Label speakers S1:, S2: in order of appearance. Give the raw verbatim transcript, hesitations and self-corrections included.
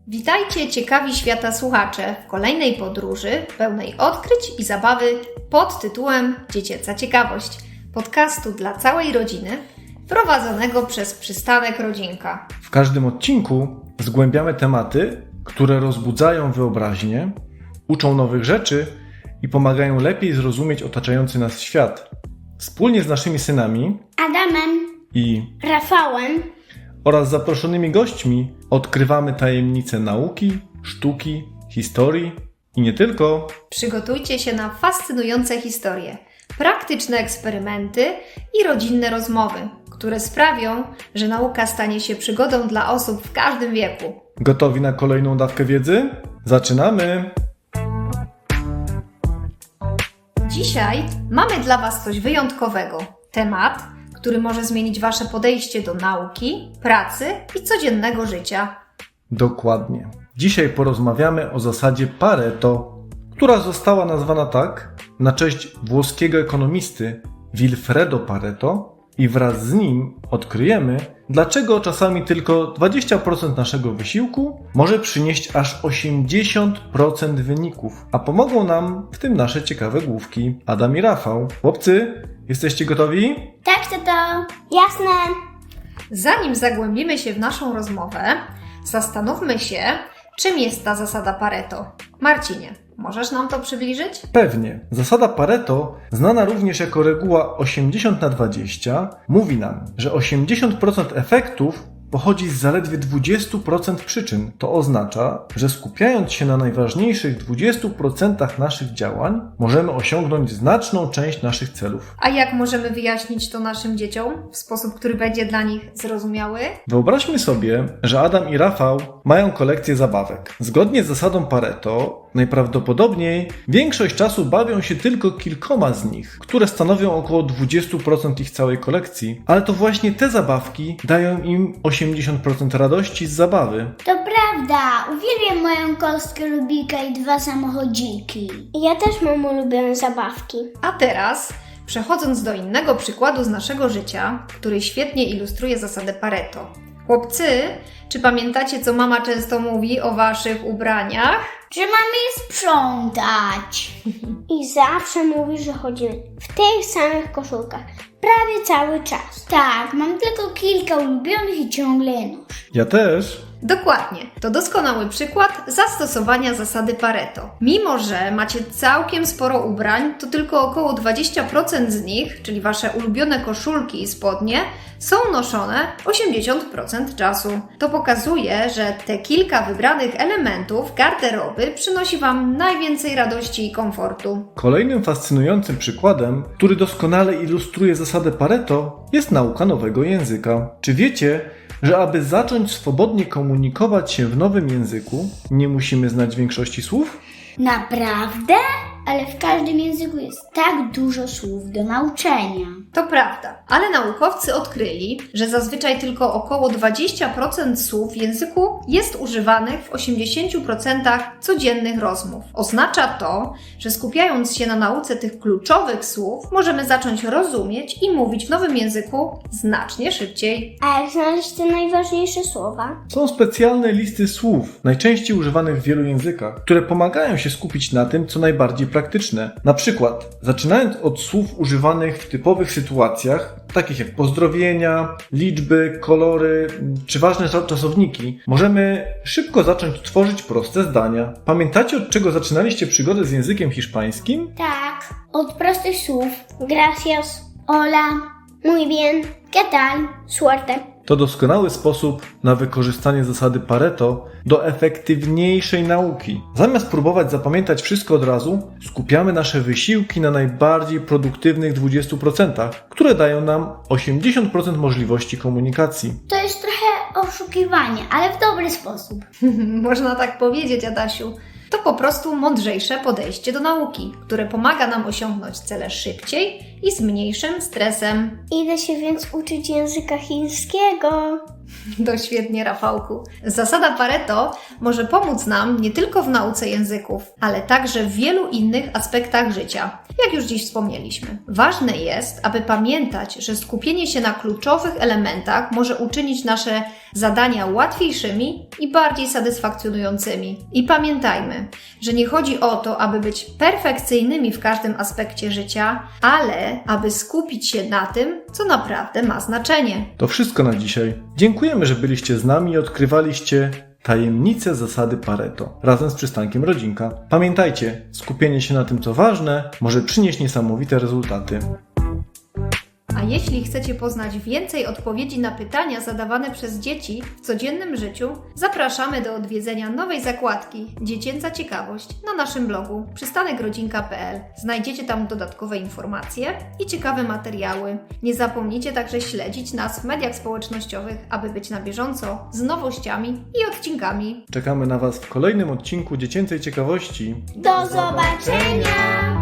S1: Witajcie ciekawi świata słuchacze w kolejnej podróży pełnej odkryć i zabawy pod tytułem Dziecięca Ciekawość, podcastu dla całej rodziny prowadzonego przez Przystanek Rodzinka.
S2: W każdym odcinku zgłębiamy tematy, które rozbudzają wyobraźnię, uczą nowych rzeczy i pomagają lepiej zrozumieć otaczający nas świat. Wspólnie z naszymi synami
S3: Adamem
S2: i
S3: Rafałem
S2: oraz zaproszonymi gośćmi odkrywamy tajemnice nauki, sztuki, historii i nie tylko.
S1: Przygotujcie się na fascynujące historie, praktyczne eksperymenty i rodzinne rozmowy, które sprawią, że nauka stanie się przygodą dla osób w każdym wieku.
S2: Gotowi na kolejną dawkę wiedzy? Zaczynamy!
S1: Dzisiaj mamy dla Was coś wyjątkowego. Temat, który może zmienić Wasze podejście do nauki, pracy i codziennego życia.
S2: Dokładnie. Dzisiaj porozmawiamy o zasadzie Pareto, która została nazwana tak na cześć włoskiego ekonomisty Vilfredo Pareto i wraz z nim odkryjemy, dlaczego czasami tylko dwadzieścia procent naszego wysiłku może przynieść aż osiemdziesiąt procent wyników, a pomogą nam w tym nasze ciekawe główki Adam i Rafał. Chłopcy, jesteście gotowi?
S3: Tak, tato. Jasne.
S1: Zanim zagłębimy się w naszą rozmowę, zastanówmy się, czym jest ta zasada Pareto. Marcinie, możesz nam to przybliżyć?
S2: Pewnie. Zasada Pareto, znana również jako reguła osiemdziesiąt na dwadzieścia, mówi nam, że osiemdziesiąt procent efektów pochodzi z zaledwie dwadzieścia procent przyczyn. To oznacza, że skupiając się na najważniejszych dwudziestu procentach naszych działań, możemy osiągnąć znaczną część naszych celów.
S1: A jak możemy wyjaśnić to naszym dzieciom w sposób, który będzie dla nich zrozumiały?
S2: Wyobraźmy sobie, że Adam i Rafał mają kolekcję zabawek. Zgodnie z zasadą Pareto, najprawdopodobniej większość czasu bawią się tylko kilkoma z nich, które stanowią około dwadzieścia procent ich całej kolekcji, ale to właśnie te zabawki dają im osiemdziesiąt procent radości z zabawy.
S3: To prawda. Uwielbiam moją kostkę Rubika i dwa samochodziki. Ja też mam ulubione zabawki.
S1: A teraz, przechodząc do innego przykładu z naszego życia, który świetnie ilustruje zasadę Pareto. Chłopcy, czy pamiętacie, co mama często mówi o waszych ubraniach?
S3: Że mamy je sprzątać. I zawsze mówi, że chodzimy w tych samych koszulkach. Prawie cały czas. Tak, mam tylko kilka ulubionych i ciągle je noszę.
S2: Ja też.
S1: Dokładnie. To doskonały przykład zastosowania zasady Pareto. Mimo że macie całkiem sporo ubrań, to tylko około dwadzieścia procent z nich, czyli wasze ulubione koszulki i spodnie, są noszone osiemdziesiąt procent czasu. To pokazuje, że te kilka wybranych elementów garderoby przynosi wam najwięcej radości i komfortu.
S2: Kolejnym fascynującym przykładem, który doskonale ilustruje zasadę Pareto, jest nauka nowego języka. Czy wiecie, że aby zacząć swobodnie komunikować się w nowym języku, nie musimy znać większości słów?
S3: Naprawdę? Ale w każdym języku jest tak dużo słów do nauczenia.
S1: To prawda, ale naukowcy odkryli, że zazwyczaj tylko około dwadzieścia procent słów w języku jest używanych w osiemdziesięciu procentach codziennych rozmów. Oznacza to, że skupiając się na nauce tych kluczowych słów, możemy zacząć rozumieć i mówić w nowym języku znacznie szybciej.
S3: A jak znaleźć te najważniejsze słowa?
S2: Są specjalne listy słów, najczęściej używanych w wielu językach, które pomagają się skupić na tym, co najbardziej praktyczne. Na przykład, zaczynając od słów używanych w typowych sytuacjach, takich jak pozdrowienia, liczby, kolory czy ważne czasowniki, możemy szybko zacząć tworzyć proste zdania. Pamiętacie, od czego zaczynaliście przygodę z językiem hiszpańskim?
S3: Tak, od prostych słów. Gracias, hola, muy bien, ¿qué tal, suerte?
S2: To doskonały sposób na wykorzystanie zasady Pareto do efektywniejszej nauki. Zamiast próbować zapamiętać wszystko od razu, skupiamy nasze wysiłki na najbardziej produktywnych dwudziestu procentach, które dają nam osiemdziesiąt procent możliwości komunikacji.
S3: To jest trochę oszukiwanie, ale w dobry sposób.
S1: Można tak powiedzieć, Adasiu. To po prostu mądrzejsze podejście do nauki, które pomaga nam osiągnąć cele szybciej i z mniejszym stresem.
S3: Idę się więc uczyć języka chińskiego.
S1: To świetnie, Rafałku. Zasada Pareto może pomóc nam nie tylko w nauce języków, ale także w wielu innych aspektach życia, jak już dziś wspomnieliśmy. Ważne jest, aby pamiętać, że skupienie się na kluczowych elementach może uczynić nasze zadania łatwiejszymi i bardziej satysfakcjonującymi. I pamiętajmy, że nie chodzi o to, aby być perfekcyjnymi w każdym aspekcie życia, ale aby skupić się na tym, co naprawdę ma znaczenie.
S2: To wszystko na dzisiaj. Dziękujemy, że byliście z nami i odkrywaliście tajemnice zasady Pareto razem z przystankiem Rodzinka. Pamiętajcie, skupienie się na tym, co ważne, może przynieść niesamowite rezultaty.
S1: A jeśli chcecie poznać więcej odpowiedzi na pytania zadawane przez dzieci w codziennym życiu, zapraszamy do odwiedzenia nowej zakładki Dziecięca Ciekawość na naszym blogu przystanek rodzinka kropka p l. Znajdziecie tam dodatkowe informacje i ciekawe materiały. Nie zapomnijcie także śledzić nas w mediach społecznościowych, aby być na bieżąco z nowościami i odcinkami.
S2: Czekamy na Was w kolejnym odcinku Dziecięcej Ciekawości.
S3: Do zobaczenia!